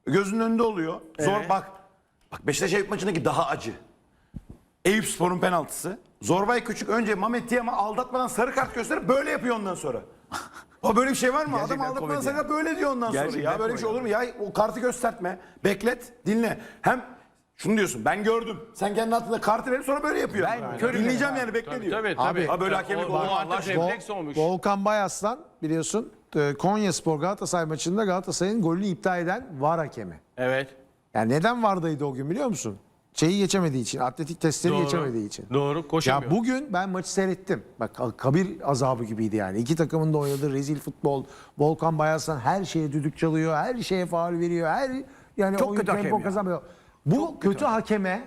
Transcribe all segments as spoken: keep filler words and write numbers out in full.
Gözünün önünde oluyor. Zor Evet. bak. Bak Beşiktaş Eyüp maçındaki daha acı. Eyüpspor'un penaltısı. Zorbay Küçük önce Mehmet Tiam'a aldatmadan sarı kart gösterip böyle yapıyor ondan sonra. O böyle bir şey var mı? Gerçekten Adam aldatmadan komedi. sarı kart böyle diyor ondan sonra. Gerçekten Ya böyle bir şey komedi. olur mu? Ya o kartı göstertme. Beklet, dinle. Hem şunu diyorsun, ben gördüm. Sen kendi altında kartı verip sonra böyle yapıyor. Ben Yani. Dinleyeceğim yani, bekle diyor. Tabii tabii. Ha böyle hakemlik O- olur o mu Allah artık aşkına? refleks olmuş. Volkan Bayaslan biliyorsun e, Konyaspor Galatasaray maçında Galatasaray'ın golünü iptal eden VAR hakemi. Evet. Yani neden VAR'daydı o gün biliyor musun? Şeyi geçemediği için, atletik testleri Doğru. geçemediği için. Doğru. Koşamıyor. Ya bugün ben maçı seyrettim. Bak kabir azabı gibiydi yani. İki takımın da oynadığı rezil futbol. Volkan Bayaslan her şeye düdük çalıyor, her şeye faul veriyor. Her yani Çok oyun kötü hakem tempo ya. kazanmıyor. Bu kötü, hakeme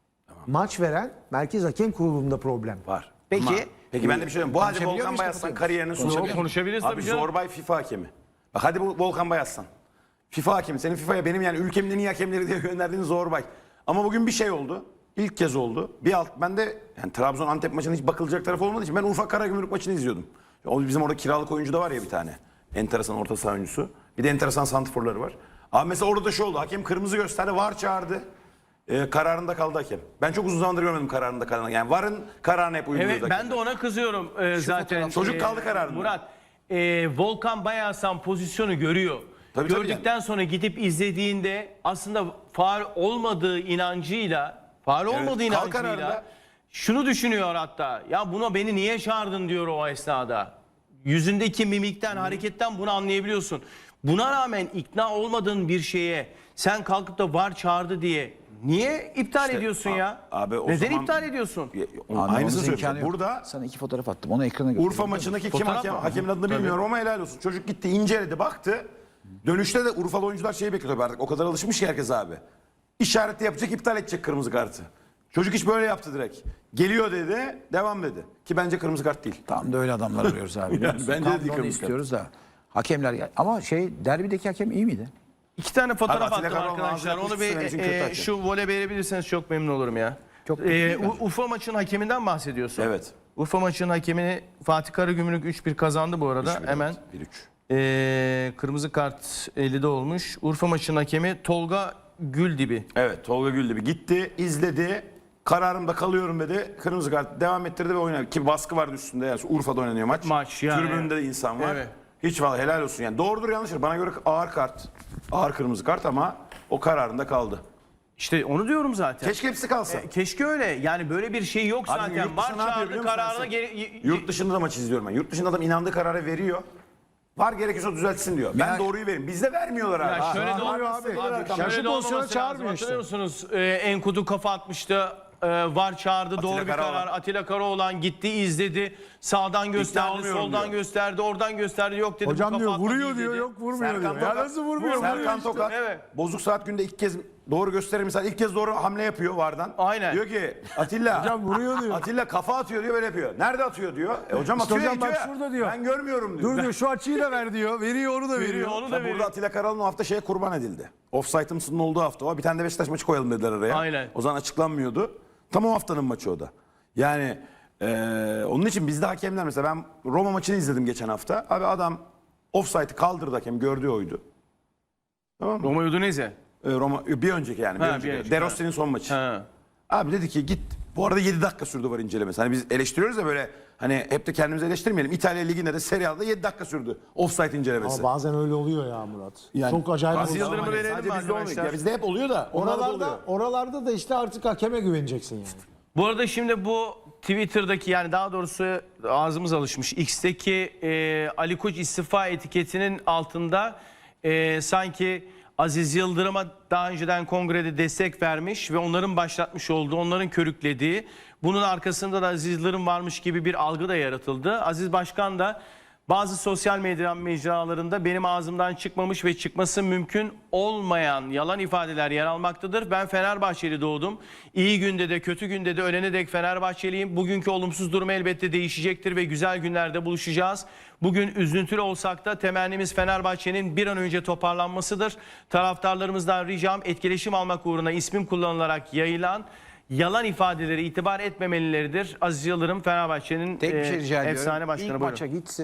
maç veren Merkez Hakem Kurulu'nda problem. Var. Peki. Ama- peki ben de bir şey söyleyeyim. Bu hadi Konuşabiliyor Volkan muyuz, Bayaslan kapatıyoruz? kariyerinin sonu. Konuşabiliriz. Konuşabiliriz Abi tabii canım. Zorbay FIFA hakemi. Bak hadi bu Volkan Bayaslan. FIFA hakemi. Senin FIFA'ya benim yani ülkemin en iyi hakemleri diye gönderdiğin Zorbay. Ama bugün bir şey oldu. İlk kez oldu. Bir alt ben de yani Trabzon Antep maçının hiç bakılacak tarafı olmadığı için ben Urfa Karagümrük maçını izliyordum. O bizim orada kiralık oyuncu da var ya bir tane. Enteresan orta saha oyuncusu. Bir de enteresan santrforları var. Abi mesela orada da şu oldu. Hakem kırmızı gösterdi. VAR çağırdı. Ee, kararında kaldı hakem. Ben çok uzun zamandır görmedim kararında kalan. Yani VAR'ın kararına hep uyguluyordu. Evet, ben de ona kızıyorum e, zaten. Çocuk E, kaldı kararında. Murat, e, Volkan Bayaslan pozisyonu görüyor. Tabii, tabii Gördükten sonra gidip izlediğinde aslında faul olmadığı inancıyla, faul olmadığı kal inancıyla kararında. şunu düşünüyor hatta. Ya buna beni niye çağırdın diyor o esnada. Yüzündeki mimikten, hareketten bunu anlayabiliyorsun. Buna rağmen ikna olmadığın bir şeye sen kalkıp da VAR çağırdı diye niye iptal İşte, ediyorsun a- ya? abi o Neden zaman- iptal ediyorsun? Ya, Anlamamızın Aynısını imkanı söylüyorum. yok. Burada Sana iki fotoğraf attım. Onu ekrana göster. Urfa maçındaki kim Fotoğraf hakem, mı? hakemin adını Tabii. bilmiyorum ama helal olsun. Çocuk gitti inceledi baktı. Dönüşte de Urfalı oyuncular şeyi bekliyor tabii artık. O kadar alışmış ki herkes abi. İşareti yapacak, iptal edecek kırmızı kartı. Çocuk hiç böyle yaptı direkt. Geliyor dedi, devam dedi. Ki bence kırmızı kart değil. Tam da öyle adamlar arıyoruz abi. biliyor Yani musun? bence Tam de da değil onu kırmızı istiyoruz da. Hakemler ama şey derbideki hakem iyi miydi? İki tane fotoğraf Abi Atilla attım Karaoğlan arkadaşlar. ağzına Onu kuş bir için e, kötü e, hakem. şu voley verebilirseniz çok memnun olurum ya. Çok E, kötü değil U- Urfa maçının hakeminden bahsediyorsun. Evet. Urfa maçının hakemini Fatih Karagümrük üç bir kazandı bu arada. Hemen bir üç. e, kırmızı kart ellide olmuş. Urfa maçının hakemi Tolga Güldibi. Evet, Tolga Güldibi gitti, izledi. Kararımda kalıyorum dedi. Kırmızı kart devam ettirdi ve oynadı. Ki baskı vardı üstünde. Yani Urfa'da oynanıyor maç. Maç yani. Tribünde de insan var. Evet. Hiç vallahi helal olsun. Yani doğrudur yanlıştır. Bana göre ağır kart. Ağır kırmızı kart ama o kararında kaldı. İşte onu diyorum zaten. Keşke hepsi kalsa. E, keşke öyle. Yani böyle bir şey yok Abi zaten. yurt Var dışında ne yapıyor biliyor çağırdı musun kararına Ersin? geri... y- y- Yurt dışında da maç izliyorum ben. Yurt dışında adam inandığı kararı veriyor. Var gerekirse düzeltsin diyor. Ben Yani- doğruyu verin. Bizde vermiyorlar abi. Ya şöyle de abi, olması abi. abi, Ya şöyle şu de pozisyona olmaması lazım. çağırmıyor işte. Hatırlıyor musunuz? Ee, Enkudu kafa atmıştı. Ee, VAR çağırdı. Doğru bir Karaoğlan. karar. Atilla Karaoğlan gitti, izledi. Sağdan gösterdi, olmuyorum soldan diyor. gösterdi, oradan gösterdi. Yok dedi. bu Hocam kafa diyor atma vuruyor değil diyor dedi. yok vurmuyor Serkan diyor. Ya Tokat, nasıl vurmuyor? Vuruyor Serkan işte. Tokat, Evet. bozuk saat günde ilk kez doğru gösterir misal ilk kez doğru hamle yapıyor vardan. Aynen. Diyor ki Atilla. Hocam vuruyor diyor. Atilla kafa atıyor diyor böyle yapıyor. Nerede atıyor diyor. E hocam İşte atıyor ya, hocam bak gidiyor ya. şurada diyor. Ben görmüyorum diyor. Dur diyor şu açıyı da ver diyor. Veriyor onu da veriyor. Veriyor, onu da Tabii veriyor. burada Atilla Karaoğlan o hafta şeye kurban edildi. Offside'ımsının olduğu hafta o. Bir tane de Beşiktaş maçı koyalım dediler araya. Aynen. O zaman açıklanmıyordu. Tam o haftanın maçı o da. Yani eee, onun için bizde hakemler mesela ben Roma maçını izledim geçen hafta. Abi adam offside'ı kaldırdı hakem gördüğü oydu. Tamam mı? Roma Udinese. Ee, Roma bir önceki yani bir Ha, bir önceki. önceki, De Rossi'nin son maçı. Ha. Abi dedi ki git. Bu arada yedi dakika sürdü var incelemesi. Hani biz eleştiriyoruz ya böyle hani hep de kendimizi eleştirmeyelim. İtalya Ligi'nde de Serie A'da yedi dakika sürdü offside incelemesi. Ama bazen öyle oluyor ya Murat. Yani- Çok acayip Aziz oluyor. Yıldırım'ı Ama verelim sadece mi bizde olmuyor. arkadaşlar? Ya bizde hep oluyor da onlarda da oluyor. Oralarda, oralarda da işte artık hakeme güveneceksin yani. Bu arada şimdi bu Twitter'daki yani daha doğrusu ağzımız alışmış. X'teki e, Ali Koç istifa etiketinin altında e, sanki Aziz Yıldırım'a daha önceden kongrede destek vermiş ve onların başlatmış olduğu, onların körüklediği, bunun arkasında da Aziz Yıldırım varmış gibi bir algı da yaratıldı. Aziz Başkan da bazı sosyal medya mecralarında benim ağzımdan çıkmamış ve çıkması mümkün olmayan yalan ifadeler yer almaktadır. Ben Fenerbahçeli doğdum. İyi günde de kötü günde de ölene dek Fenerbahçeliyim. Bugünkü olumsuz durum elbette değişecektir ve güzel günlerde buluşacağız. Bugün üzüntülü olsak da temennimiz Fenerbahçe'nin bir an önce toparlanmasıdır. Taraftarlarımızdan ricam etkileşim almak uğruna ismim kullanılarak yayılan yalan ifadeleri itibar etmemelileridir. Aziz Yıldırım Fenerbahçe'nin Tek bir şey e, rica ediyorum. efsane başkanı. İlk Buyurun. maça gitsin.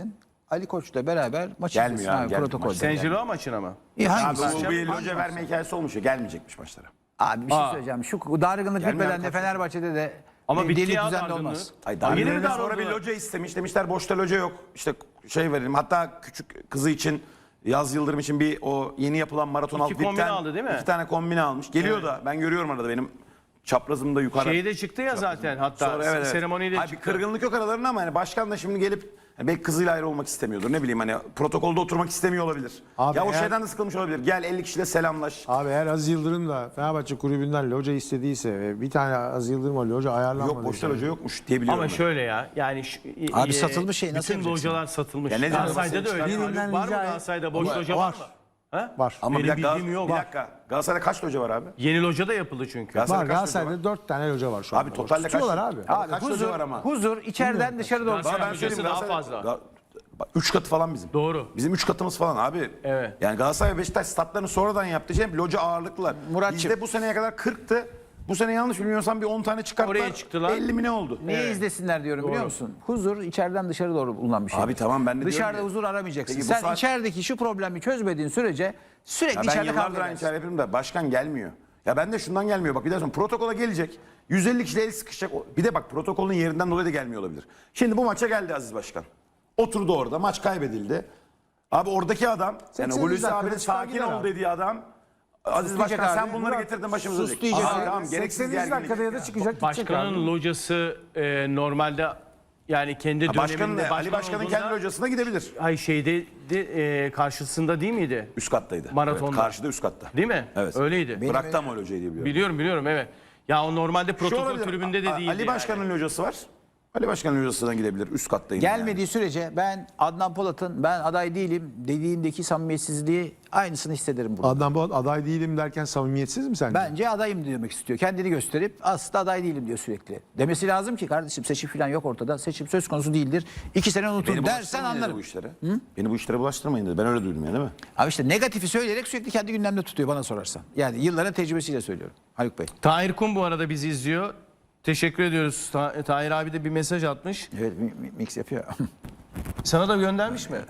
Ali Koç'la beraber maç Gelmiyor izlesin abi, abi, gelmiyor protokolde. maçlara. Saint Gilloa maçına mı? İyi, Abi hangisi? bu bir Hangi loca maç? verme hikayesi olmuş ya. Gelmeyecekmiş maçlara. Abi bir şey Aa. söyleyeceğim. Şu dargınlık Gelmeyen bitmeden de kaç- Fenerbahçe'de de Ama bir bitti deli ya düzenli dargınlığı. olmaz. Ay Daha yeni mi Darwin'den sonra bir darıldılar? loca istemiş. Demişler boşta loca yok. İşte şey verelim. Hatta küçük kızı için Yaz Yıldırım için bir o yeni yapılan maraton İki alt kombine aldı değil mi? İki tane kombine almış. Geliyor da ben görüyorum arada benim çaprazımda yukarı. Şeyi de çıktı ya zaten hatta Sonra evet, evet. seremoniyi de Hayır, bir çıktı. kırgınlık yok aralarında ama hani başkan da şimdi gelip hani belki kızıyla ayrı olmak istemiyordur. Ne bileyim hani protokolde oturmak istemiyor olabilir. Abi ya o eğer- şeyden de sıkılmış olabilir. Gel elli kişiyle selamlaş. Abi eğer Aziz Yıldırım da Fenerbahçe kulübünden loca istediyse ve bir tane Aziz Yıldırım'a loca ayarlanmadı. Yok boşta loca yokmuş diye biliyorum. Ama ben. şöyle ya yani şu, Abi e, satılmış şey nasıl bütün yapacaksın? localar satılmış. Ya ne Galatasaray'da da diyorsun? öyle. Birinden Haluk, var mı rica et. Galatasaray'da boş Var. loca var, mı? Ha? Var. Ama bir Benim dakika, bildiğim yok. bir dakika. Galatasaray'da kaç loca var abi? Yeni loca da yapıldı çünkü. Galatasaray- Var kaç loca Galatasaray'da dört tane loca var şu Abi anda. totalde kaç? Tutuyorlar abi. Abi kaç loca huzur, var ama? huzur içeriden dışarı doğru. Galatasaray Bana ben locası söyleyeyim daha Galatasaray- fazla. Ga- Bak, Üç katı falan bizim. Doğru. Bizim üç katımız falan abi. Evet. Yani Galatasaray ve Beşiktaş statlarını sonradan yaptı. Şey, loca ağırlıklılar. Muratçım. Bizde bu seneye kadar kırktı. Bu sene yanlış bilmiyorsam bir on tane çıkarttılar. Oraya çıktılar. elli mi ne oldu? Niye izlesinler diyorum biliyor musun? Huzur içeriden dışarı doğru bulunan bir şey. Abi tamam, ben de Dışarıda diyorum ya. huzur aramayacaksın. Peki bu Sen saat- içerideki şu problemi çözmediğin sürece sürekli Ya ben içeride yıllardır kavga aynı edersin. şeyler yapıyorum da başkan gelmiyor. Ya ben de şundan gelmiyor. Bak bir daha sonra protokola gelecek. yüz elli kişiyle el sıkışacak. Bir de bak protokolün yerinden dolayı da gelmiyor olabilir. Şimdi bu maça geldi Aziz Başkan. Oturdu orada. Maç kaybedildi. Abi oradaki adam, yani sekseninci Hulusi dakikada abinin çıkar sakin gider ol abi. dediği adam. Aziz diyecek Başkan abi. sen bunları Murat, getirdin başımıza. sus diyecek Aa, abi. Tamam gereksiz sekseninci gerginlik. dakikada ya da çıkacak gidecek abi. Başkanın locası e, normalde yani kendi Ha, döneminde Başkanın, Ali başkan Başkan'ın olduğunda- kendi hocasına gidebilir. Ay şeyde de, e, karşısında değil miydi? Üst kattaydı. Maratonda. Evet, karşıda üst katta. Değil mi? Evet. Öyleydi. Bıraktı ama öyle hocayı diye biliyorum. Biliyorum biliyorum evet. Ya o normalde Şu protokol olabilir, tribünde de A- değildi. Ali Başkan'ın hocası var. Ali Başkan'ın hocasına gidebilir. Üst kattayım. Gelmediği sürece ben Adnan Polat'ın ben aday değilim dediğindeki samimiyetsizliği aynısını hissederim burada. Adnan Polat aday değilim derken samimiyetsiz mi sence? Bence adayım demek istiyor. Kendini gösterip aslında aday değilim diyor sürekli. Demesi lazım ki kardeşim seçim falan yok ortada. Seçim söz konusu değildir. İki sene unutun Beni dersen bulaştırmayın dedi anlarım. bu işlere. Beni bu işlere bulaştırmayın dedi. Ben öyle duydum yani değil mi? Abi işte negatifi söyleyerek sürekli kendi gündemde tutuyor bana sorarsan. Yani yılların tecrübesiyle söylüyorum. Haluk Bey. Tahir Kum bu arada bizi izliyor. Teşekkür ediyoruz. Ta- Tahir abi de bir mesaj atmış. Evet mi- mi- mix yapıyor. Sana da göndermiş mi?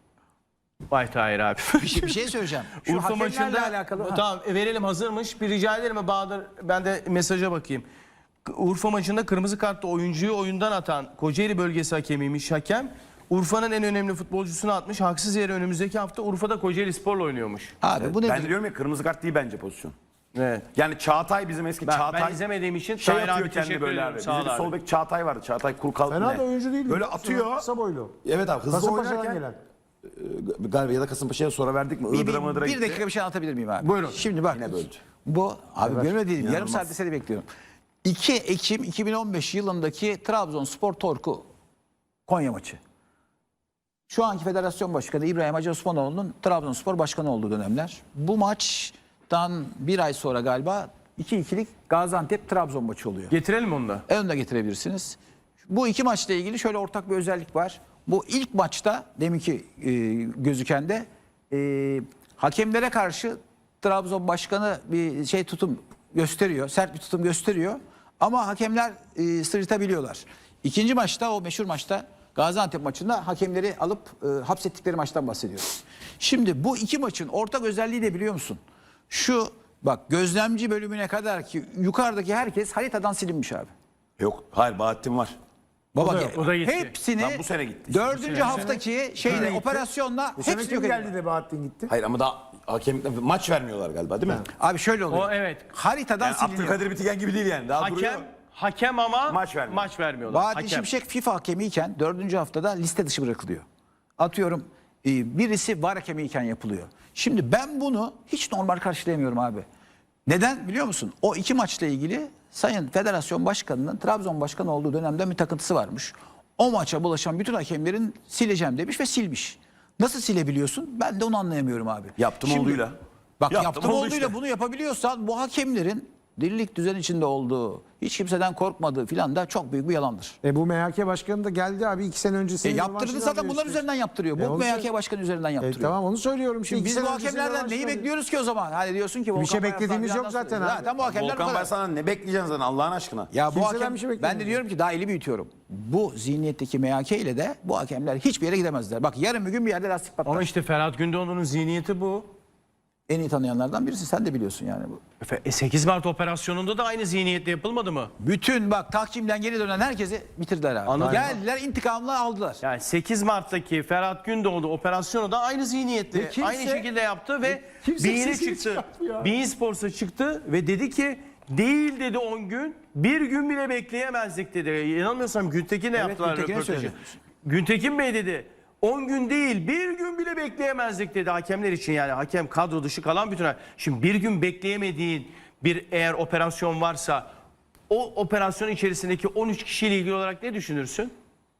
Vay Tahir abi. bir, şey, bir şey söyleyeceğim. Şu Urfa hakemlerle maçında alakalı. Ha. tamam e, verelim hazırmış. Bir rica ederim mi Bahadır? Ben de mesaja bakayım. K- Urfa maçında kırmızı kartlı oyuncuyu oyundan atan Kocaeli bölgesi hakemiymiş hakem. Urfa'nın en önemli futbolcusunu atmış. Haksız yere önümüzdeki hafta Urfa'da Kocaeli Spor'la oynuyormuş. Abi bu Ben nedir? de diyorum ya kırmızı kart değil bence pozisyon. Evet. Yani Çağatay bizim eski Ben, Çağatay. ben izlemediğim için şey Tahir yapıyor abi kendi teşekkür böyle ediyorum. abi. Sağ Bizim ol bir abi. sol bek Çağatay vardı. Çağatay Kurkal. Fena ne? da oyuncu değil. Böyle atıyor. Kısa boylu. Evet abi hızlı Kasımpaşa'dan oynarken. gelen. e, Galiba ya da Kasımpaşa'ya sonra verdik mi? Bir, Iğdır'a bir, mıdır'a bir gitti. dakika bir şey anlatabilir miyim abi? Buyurun. Şimdi bak. Yine böldü. Bu abi Evet. görmediğim yarım İnanılmaz. saatte seni bekliyorum. iki Ekim iki bin on beş yılındaki Trabzonspor Torku Konya maçı. Şu anki federasyon başkanı İbrahim Hacı Osmanoğlu'nun Trabzonspor başkanı olduğu dönemler. Bu maçtan bir ay sonra galiba iki ikilik Gaziantep-Trabzon maçı oluyor. Getirelim onu da. Ön de getirebilirsiniz. Bu iki maçla ilgili şöyle ortak bir özellik var. Bu ilk maçta deminki e, gözüken de e, hakemlere karşı Trabzon başkanı bir şey tutum gösteriyor. Sert bir tutum gösteriyor. Ama hakemler e, sırıtabiliyorlar. İkinci maçta o meşhur maçta Gaziantep maçında hakemleri alıp e, hapsettikleri maçtan bahsediyoruz. Şimdi bu iki maçın ortak özelliği de biliyor musun? Şu bak gözlemci bölümüne kadar ki yukarıdaki herkes haritadan silinmiş abi. Yok hayır Bahattin var. Baba O da yok, o da gitti. hepsini Lan bu sene gitti işte, dördüncü haftaki şeyle operasyonla Bu sene hepsini kim yok geldi edildi. de Bahattin gitti? Hayır ama daha hakem maç vermiyorlar galiba değil mi? Abi şöyle oluyor. O evet. Haritadan Yani siliniyor. Abdülkadir Bitigen gibi değil yani. Daha duruyor. Hakem hakem ama Maç vermiyor. maç vermiyorlar. Bahattin Hakem. Şimşek FIFA hakemiyken dördüncü haftada liste dışı bırakılıyor. Atıyorum e, birisi var hakemiyken yapılıyor. Şimdi ben bunu hiç normal karşılayamıyorum abi. Neden biliyor musun? O iki maçla ilgili Sayın Federasyon Başkanı'nın Trabzon Başkanı olduğu dönemde bir takıntısı varmış. O maça bulaşan bütün hakemlerin sileceğim demiş ve silmiş. Nasıl silebiliyorsun? Ben de onu anlayamıyorum abi. Yaptım Şimdi- olduğuyla. Bak Yaptım yaptım, oldu olduğuyla işte. bunu yapabiliyorsan bu hakemlerin dirlik düzen içinde olduğu, hiç kimseden korkmadığı filan da çok büyük bir yalandır. E bu M H K başkanı da geldi abi iki sene E öncesinde. yaptırdı zaten bunlar üzerinden yaptırıyor. E Bu onu M H K söyle- başkanı üzerinden E yaptırıyor. tamam onu söylüyorum. Şimdi Şimdi biz iki bu sene öncesinde hakemlerden neyi başladı. bekliyoruz ki o zaman? Hani diyorsun ki Bir şey Volkan Bayaslan beklediğimiz filan yok nasıl- zaten abi. Zaten bu hakemler bu Volkan kadar. Bayaslan'dan ne bekleyeceksin zaten Allah'ın aşkına? Ya bu Kimseden hakem, bir şey ben de beklemiyorum. diyorum ki daha eli büyütüyorum. Bu zihniyetteki M H K ile de bu hakemler hiçbir yere gidemezler. Bak yarın bir gün bir yerde lastik patlar. Ama işte Ferhat Gündoğdu'nun zihniyeti bu. En iyi tanıyanlardan birisi, sen de biliyorsun yani bu. E, sekiz Mart operasyonunda da aynı zihniyetle yapılmadı mı? Bütün bak takvimden geri dönen herkesi bitirdiler abi. Anladım. Geldiler intikamını aldılar. Yani sekiz Mart'taki Ferhat Gündoğdu operasyonu da aynı zihniyetle, Ve kimse- aynı şekilde yaptı ve kimse Beyin'e sesini çıktı. çıkartmıyor. Bein Sports'a çıktı ve dedi ki değil dedi on gün, bir gün bile bekleyemezdik dedi. İnanmıyorsam Güntekin'le yaptılar Güntekin'e röportajı. söyledi. Güntekin Bey dedi on gün değil bir gün bile bekleyemezdik dedi hakemler için, yani hakem kadro dışı kalan bütün. Şimdi bir gün bekleyemediğin bir eğer operasyon varsa o operasyon içerisindeki on üç kişiyle ilgili olarak ne düşünürsün?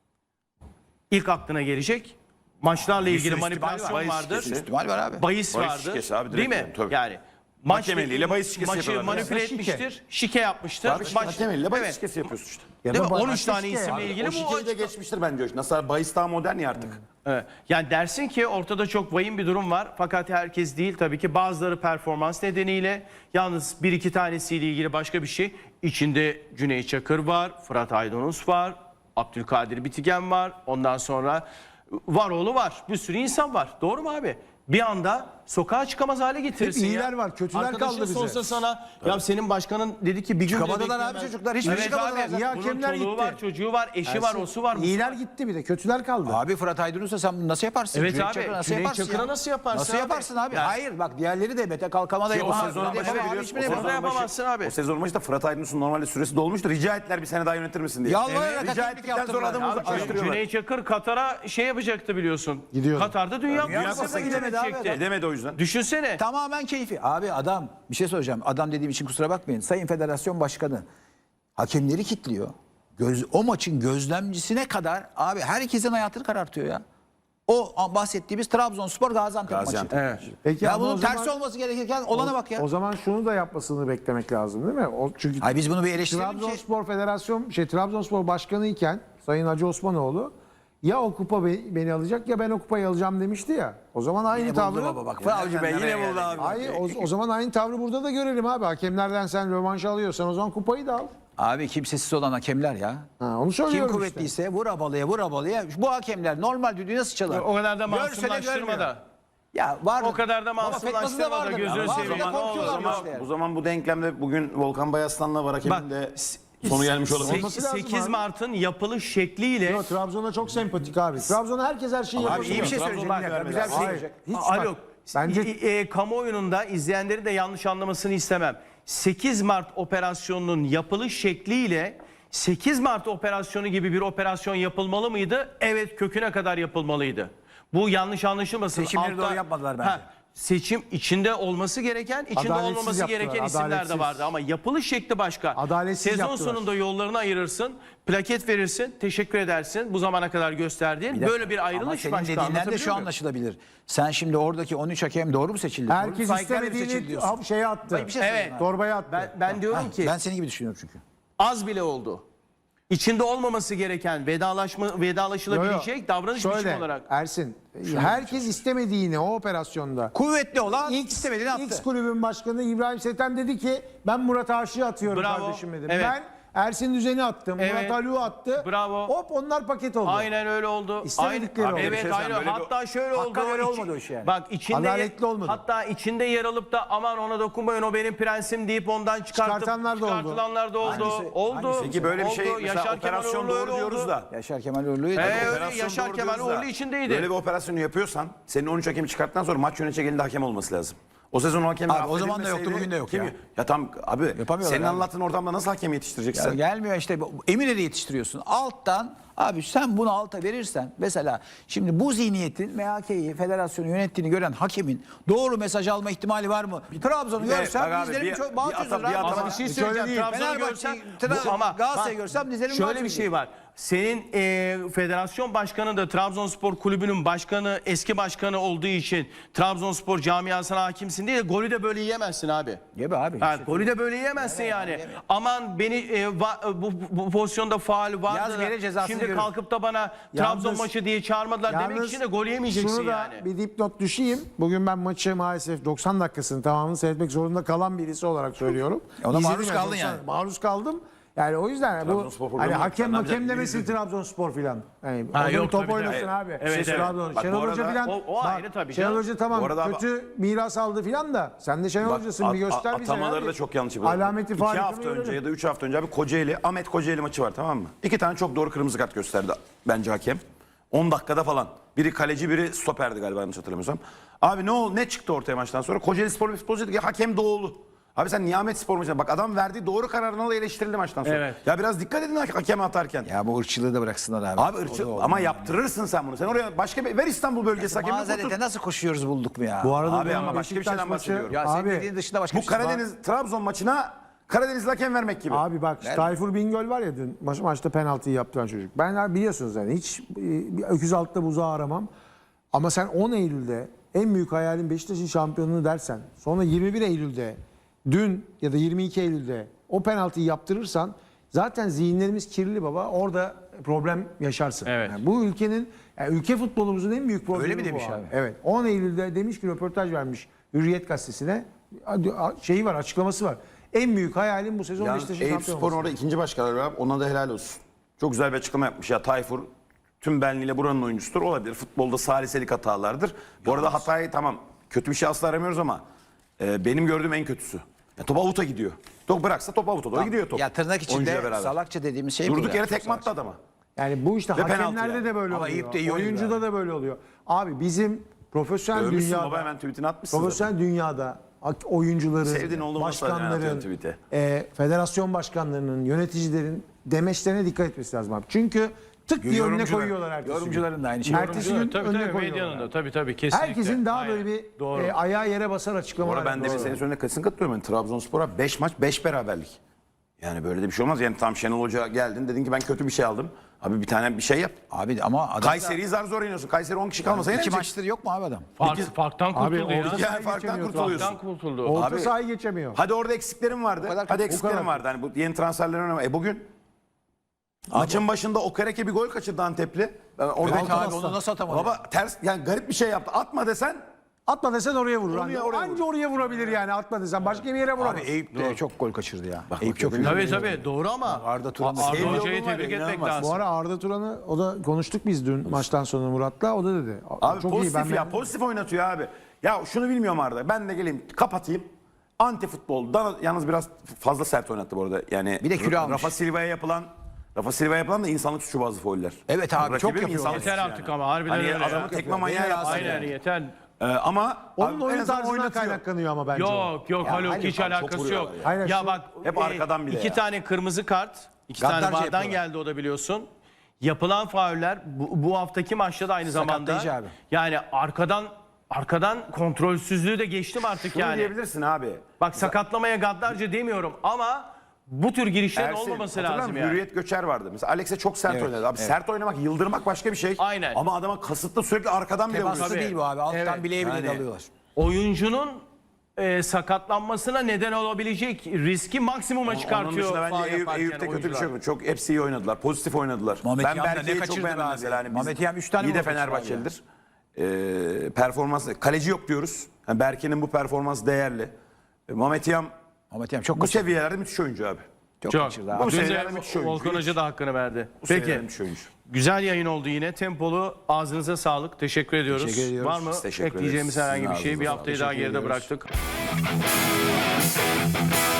İlk aklına gelecek maçlarla ilgili sürü ihtimal manipülasyon var. Bahis vardır. şirketi. İhtimal var abi. Bahis Bahis vardır. şirkesi abi, direkt değil mi? yani, tabii. Yani maç Hakem eliyle bahis şirkesi maçı yapıyorlar. manipüle Şike. etmiştir. Şike yapmıştır. Abi işte Maç- hakem eliyle bahis Evet. şirkesi yapıyorsun işte. Ya Değil mi? da on üç başka tane şike isimle ya. ilgili O bu şikeyi de geçmiştir bence. Nasıl bahis daha modern ya artık. Evet. Yani dersin ki ortada çok vahim bir durum var. Fakat herkes değil tabii ki. Bazıları performans nedeniyle, yalnız bir iki tanesiyle ilgili başka bir şey. İçinde Cüneyt Çakır var, Fırat Aydınus var, Abdülkadir Bitigen var. Ondan sonra Varoğlu var. Bir sürü insan var. Doğru mu abi? Bir anda sokağa çıkamaz hale getirirsin Hep ya. iyiler var, kötüler Arkadaşın kaldı bize. sorsa sana ya senin başkanın dedi ki bir gün bile Çıkamadılar abi bekleyemez. çocuklar, hiçbiri Evet çıkamadılar abi. zaten. İyi Bunun hakemler çoluğu gitti. var, çocuğu var, eşi var, osu var. busu İyiler var. gitti bir de kötüler kaldı. Abi Fırat Aydınus'a sen bunu nasıl yaparsın? Evet Cüneyt abi, Çakır'a nasıl Cüneyt yaparsın Çakır'a ya? nasıl yaparsın Nasıl abi? yaparsın abi? Yani- Hayır bak diğerleri de Mete Kalkam'a da Ki o yapamaz. sezonun Buna da başı yapamaz, biliyorsun. hiçbirine O yapamaz. sezonun başı- yapamazsın abi. O sezonun başında Fırat Aydınus'un normalde süresi dolmuştu. Rica ettiler bir sene daha yönetir misin diye. Yalvararak Rica hakemlik ettikten sonra yaptırdılar. adamı Abi, uzaklaştırıyorlar. Cüneyt Çakır Katar'a şey yapacaktı biliyorsun. Gidiyordu. Katar'da Dünya, Dünya Kupası'na Kupası'na gidemedi abi gidecekti. Gidemedi o yüzden. Düşünsene. Tamamen keyfi. Abi adam bir şey söyleyeceğim. Adam dediğim için kusura bakmayın. Sayın Federasyon Başkanı hakemleri kilitliyor. Göz, o maçın gözlemcisine kadar abi herkesin hayatını karartıyor ya. O bahsettiğimiz Trabzonspor Gaziantep Gaziantep. maçı. Evet. Peki Ya ama bunun o tersi zaman- olması gerekirken olana bak ya. O zaman şunu da yapmasını beklemek lazım değil mi? O çünkü Hayır biz bunu bir eleştirelim ki. Trabzonspor Federasyon şey Trabzonspor Başkanı iken Sayın Hacı Osmanoğlu ya o kupa be- beni alacak ya ben o kupayı alacağım demişti ya. O zaman aynı Yine tavrı. buldu baba bak. Avcı Bey yine buldu abi. Hayır o, o zaman aynı tavrı burada da görelim abi. Hakemlerden sen rövanş alıyorsan o zaman kupayı da al. Abi kimsesiz olan hakemler ya. Ha, onu Kim söylüyorum işte. kuvvetliyse vur abalıya vur abalıya. Bu hakemler normal düdüğü nasıl çalar? O kadar da Görse de masumlaştırma görmüyor. da. Ya var. O kadar da Baba, masumlaştırma fetnası da da vardır. gözünü Ya, bazıları seveyim. da Ne olur, korkuyorlar o zaman- işte yani. Bu zaman bu denklemde bugün Volkan Bayaslan'la var hakemin Bak, de sonu gelmiş olabilir. Olması lazım sekiz abi. Mart'ın yapılış şekliyle Yo, Trabzon'a çok sempatik abi. Trabzon'a herkes her şeyi yapıyor. Abi iyi bir şey söyleyecek. Bir dakika, güzel bir şey Hayır. söyleyecek. Hiç Alo. bak, bence E, e, kamuoyunun da izleyenlerin de yanlış anlamasını istemem. sekiz Mart operasyonunun yapılış şekliyle sekiz Mart operasyonu gibi bir operasyon yapılmalı mıydı? Evet, köküne kadar yapılmalıydı. Bu yanlış anlaşılmasın. Seçimleri Altta- doğru yapmadılar bence. seçim içinde olması gereken, içinde Adaletsiz olmaması yaptılar, gereken isimler de adaletsiz. vardı ama yapılış şekli başka. Adaletsiz Sezon yaptılar. sonunda yollarını ayırırsın, plaket verirsin, teşekkür edersin. Bu zamana kadar gösterdiğin böyle bir Ama ayrılış senin başka. dediğinden de Anlatabiliyor şu muyum? anlaşılabilir. Sen şimdi oradaki on üç hakem doğru mu seçildi? Doğru mu? herkes Saygılarla seçildi istemediğini diyorsun. ab- şeye attı. Bir şey söyleyeyim Evet. abi. Torbaya attı. Ben, ben diyorum Ha, ki ben senin gibi düşünüyorum çünkü. az bile oldu. İçinde olmaması gereken vedalaşma vedalaşılabilecek davranış Şöyle, biçimi olarak. Ersin, herkes istemediğini o operasyonda. Kuvvetli olan X, istemediğini attı. X kulübün başkanı İbrahim Seten dedi ki ben Murat Aşık'ı atıyorum Bravo. kardeşim dedi. Evet. Ben Ersin Düzen'i attım. Evet. Murat Alû attı. Bravo. Hop onlar paket oldu. Aynen öyle oldu. İstemedikleri Aynen- oldu. Evet, Bir şey aynen. söyleyeyim, böyle bir- Hatta şöyle oldu. Hakka göre İçi- olmadı o iş yani. Bak içinde Adaletli olmadı. hatta içinde yer alıp da aman ona dokunmayın o benim prensim deyip ondan çıkartıp Çıkartanlar da oldu. çıkartılanlar da oldu. Hangisi? oldu. Hangisi? Peki böyle bir şey oldu. mesela Yaşar Kemal operasyon Uğurlu öyle doğru diyoruz oldu. da. Yaşar Kemal Uğurlu'yu. Ee, öyle Operasyon Yaşar doğru Kemal diyoruz da, Uğurlu içindeydi. Böyle bir operasyonu yapıyorsan senin on üç hakemi çıkarttıktan sonra maç yönetecek elinde hakem olması lazım. O sezon o hakem Abi o zaman da yoktu, bugün de yok ya. Ya tam abi Yapamıyorlar senin abi. anlattığın ortamda nasıl hakem yetiştireceksin? Ya gelmiyor işte. Bu- Eminönü'nü yetiştiriyorsun. Alttan Abi sen bunu alta verirsen mesela şimdi bu zihniyetin M H K'yi federasyonu yönettiğini gören hakemin doğru mesaj alma ihtimali var mı? Trabzon'u Bir de görsem bak abi, dizlerim bir- çok bir bağ ata- çözülür bir abi. ata- Ama bir şey Şöyle söyleyeceğim. değil. Trabzon'u Fenerbahçe, görsem Tra- bu- ama Galatasaray'ı bak, görsem dizlerim bağ şöyle bir çözülür. şey var. Senin e, federasyon başkanı da Trabzonspor kulübünün başkanı, eski başkanı olduğu için Trabzonspor camiasına hakimsin diye golü de böyle yiyemezsin abi. Yeme abi. Ha, İşte- golü de böyle yiyemezsin yani. yeme. Aman beni e, va- bu, bu pozisyonda faul vardı. Yaz da geri cezasını Şimdi görürüz. kalkıp da bana Trabzon Yalnız- maçı diye çağırmadılar demek Yalnız için de gol yemeyeceksin şunu da yani. bir dipnot düşeyim. Bugün ben maçı maalesef doksan dakikasını tamamını seyretmek zorunda kalan birisi olarak söylüyorum. Ona İzledim maruz yani kaldın doksan yani. Maruz kaldım. Yani o yüzden bu Trabzonspor programı hani yok. hakem Sen ne hakem yapacaksın? demesin Trabzonspor filan. Yani Ha, orada yok, bir top tabii, oynasın tabii. abi. Evet, Şey, evet. Trabzon. Bak, Şenol bu Hoca arada- filan. O- o ayrı tabii Şenol canım. Hoca tamam Bu arada abi- kötü miras aldı filan da sen de Şenol Bak, Hoca'sın bir at- göster at- bize. Atamaları abi. da çok yanlış yapıyorlar. Alameti İki farikını hafta önce görelim. ya da üç hafta önce abi Kocaeli, Ahmet Kocaeli maçı var, tamam mı? İki tane çok doğru kırmızı kart gösterdi bence hakem. on dakikada falan. Biri kaleci, biri stoperdi galiba, yanlış hatırlamıyorsam. Abi ne oldu? Ne çıktı ortaya maçtan sonra? Kocaeli Spor bir futbolcu dedi ki hakem Doğulu. Abi sen Nihamet Spor maçına bak, adam verdiği doğru kararını da eleştirildi maçtan sonra. Evet. Ya biraz dikkat edin hakeme atarken. Ya bu ırkçılığı da bıraksınlar abi. Abi ırkçı, O da ama olmaz. yaptırırsın sen bunu. Sen oraya başka bir ver İstanbul bölgesi hakemini otur. Mazerete nasıl koşuyoruz bulduk mu ya? Bu arada Abi bu ama başka bir Beşiktaş şeyden maçı- bahsediyorum. ya senin abi, dediğin dışında başka Bu bir şey var. Karadeniz Trabzon maçına Karadeniz hakem vermek gibi. Abi bak Tayfur Bingöl var ya dün maç, maçta penaltıyı yaptıran çocuk. Ben abi biliyorsunuz yani hiç e, bir öküz altta buzağı aramam. Ama sen on Eylül'de en büyük hayalin Beşiktaş'ın şampiyonluğu dersen sonra yirmi bir Eylül'de dün ya da yirmi iki Eylül'de o penaltıyı yaptırırsan zaten zihinlerimiz kirli baba. Orada problem yaşarsın. Evet. Yani bu ülkenin yani ülke futbolumuzun en büyük problemi Öyle mi bu demiş abi? Evet. on Eylül'de demiş ki röportaj vermiş Hürriyet gazetesine. Şeyi var, açıklaması var. En büyük hayalim bu sezon Yani Beşiktaş'ın Eyüp şampiyon Spor'un olması. orada ikinci başkanı var. Ona da helal olsun. Çok güzel bir açıklama yapmış. Ya Tayfur tüm benliğiyle buranın oyuncusudur. Olabilir. Futbolda saliselik hatalardır. Bu arada hatayı tamam. Kötü bir şey asla aramıyoruz ama e, benim gördüğüm en kötüsü. Ya top avuta gidiyor. Top bıraksa top avuta doğru gidiyor top. Ya tırnak içinde Oyuncuyla beraber. salakça dediğimiz şey bu. Durduk ya. yere tekme attı adama. Yani bu işte Ve penaltı hakemlerde yani. de böyle Ama oluyor. Eyüp de iyi oynuyor Oyuncuda abi. da böyle oluyor. Abi bizim profesyonel Övmüşsün dünyada, baba, hemen tweetini atmışsın. profesyonel dünyada hak- oyuncuların, Sevdiğin oğlum olsa hemen başkanların, atıyorsun tweet'e. e, federasyon başkanlarının, yöneticilerin demeçlerine dikkat etmesi lazım abi. Çünkü tık diye önüne Yorumcular- koyuyorlar ertesi gün. yorumcuların da aynı şey. Ertesi gün Tabii önüne tabii koyuyorlar. medyanın da tabii tabii kesinlikle. Herkesin daha Aynen. böyle bir Doğru. e, ayağı yere basar Bu açıklamalar. arada ben de bir yapıyor. senin söylediğine kesin katılıyorum. Yani Trabzonspor'a beş maç beş beraberlik. Yani böyle de bir şey olmaz. Yani tam Şenol Hoca geldin dedin ki ben kötü bir şey aldım. Abi bir tane bir şey yap. Abi ama adam Kayseri'yi zar zor yeniyorsun. Kayseri on kişi kalmasa iki yenecek. maçtır yok mu abi adam? Fark, farktan Abi kurtuldu ya. orada- Yani Sahayı farktan geçemiyor kurtuluyorsun. Farktan kurtuldu. Orta Abi- sahayı geçemiyor. Hadi orada eksiklerim vardı. kadar Hadi kötü- eksiklerim kadar vardı. Hani bu yeni transferlerin önemli. E bugün maçın başında Okereke bir gol kaçırdı Antepli. Ben orada Evet abi onu nasıl atamadı? Baba ters yani garip bir şey yaptı. Atma desen Atma desen oraya vurur. Oraya, Anca oraya Anca oraya vurabilir yani atma desen. Başka bir yere vuramaz. Abi Eyüp de çok gol kaçırdı ya. Bak, Eyüp bak, çok bak, Tabii tabii doğru ama Arda Turan da Arda sevgili Hoca'yı oğlum var tebrik ya, etmek inanılmaz. lazım. Bu ara Arda Turan'ı o da konuştuk biz dün maçtan sonra Murat'la. O da dedi. abi çok pozitif iyi. Ben, ya ben, pozitif oynatıyor abi. Ya şunu bilmiyorum Arda. Ben de geleyim kapatayım. Anti futbol. Dana- yalnız biraz fazla sert oynattı bu arada. Yani Bir de kilo Ra- almış. Rafa Silva'ya yapılan Rafa Silva'ya yapılan da insanlık suçu bazı fauller. Evet abi, Rakibim çok yapıyor. insanlık Yeter suçu artık yani. ama harbiden Hani öyle adamı ya. tekme manyağı yapsın Aynen yani. yeter. Ee, ama onun abi en oyun azından tarzından oynatıyor. kaynaklanıyor ama bence. o. Yok yok Ya Haluk hayır, hiç çok alakası vuruyorlar yok. ya. Hayır, Ya şu- bak hep e, arkadan bile iki ya. tane kırmızı kart, iki Gaddarca tane vardan yapıyorlar. geldi o da biliyorsun. Yapılan fauller bu, bu haftaki maçta da aynı zamanda. Sakatlayıcı abi. Yani arkadan arkadan kontrolsüzlüğü de geçtim artık Şunu yani. diyebilirsin abi. Bak sakatlamaya gaddarca demiyorum ama bu tür girişlerin Ersin, olmaması hatırlar lazım mısın? yani. Hürriyet Göçer vardı. Mesela Alex'e çok sert Evet, oynadı. Abi evet. sert oynamak, yıldırmak başka bir şey. Aynen. Ama adama kasıtlı sürekli arkadan bile Temaslı vuruyorsun. değil bu abi. Alttan Evet. bileğe bile Yani- dalıyorlar. Oyuncunun e, sakatlanmasına neden olabilecek riski maksimuma Onun çıkartıyor. dışında bence faul Eyüp, yaparken Eyüp'te kötü bir oyuncular. şey yok. Çok hepsi iyi oynadılar. Pozitif oynadılar. Mehmet ben Yam da ne Berke'yi çok kaçırdı beğendim abi? mesela. Hani biz Mehmet Yam üç tane iyi de gol kaçırdı Fenerbahçelidir. Ee, performans, kaleci yok diyoruz. Yani Berke'nin bu performans değerli. Ee, Mehmet Yam Ahmet Yam çok bu kaçırdı. seviyelerde müthiş oyuncu abi. Çok, Çok. kaçırdı abi. Bu Dün de seviyelerde müthiş oyuncu. Volkan Hoca da hakkını verdi. Bu Peki. seviyelerde müthiş oyuncu. Güzel yayın oldu yine. Tempolu. Ağzınıza sağlık. Teşekkür ediyoruz. Teşekkür ediyoruz. Var mı Biz teşekkür ekleyeceğimiz ederiz. herhangi bir Sizin şey? Bir ağzınıza haftayı sağlık. daha geride Teşekkür ediyoruz. bıraktık.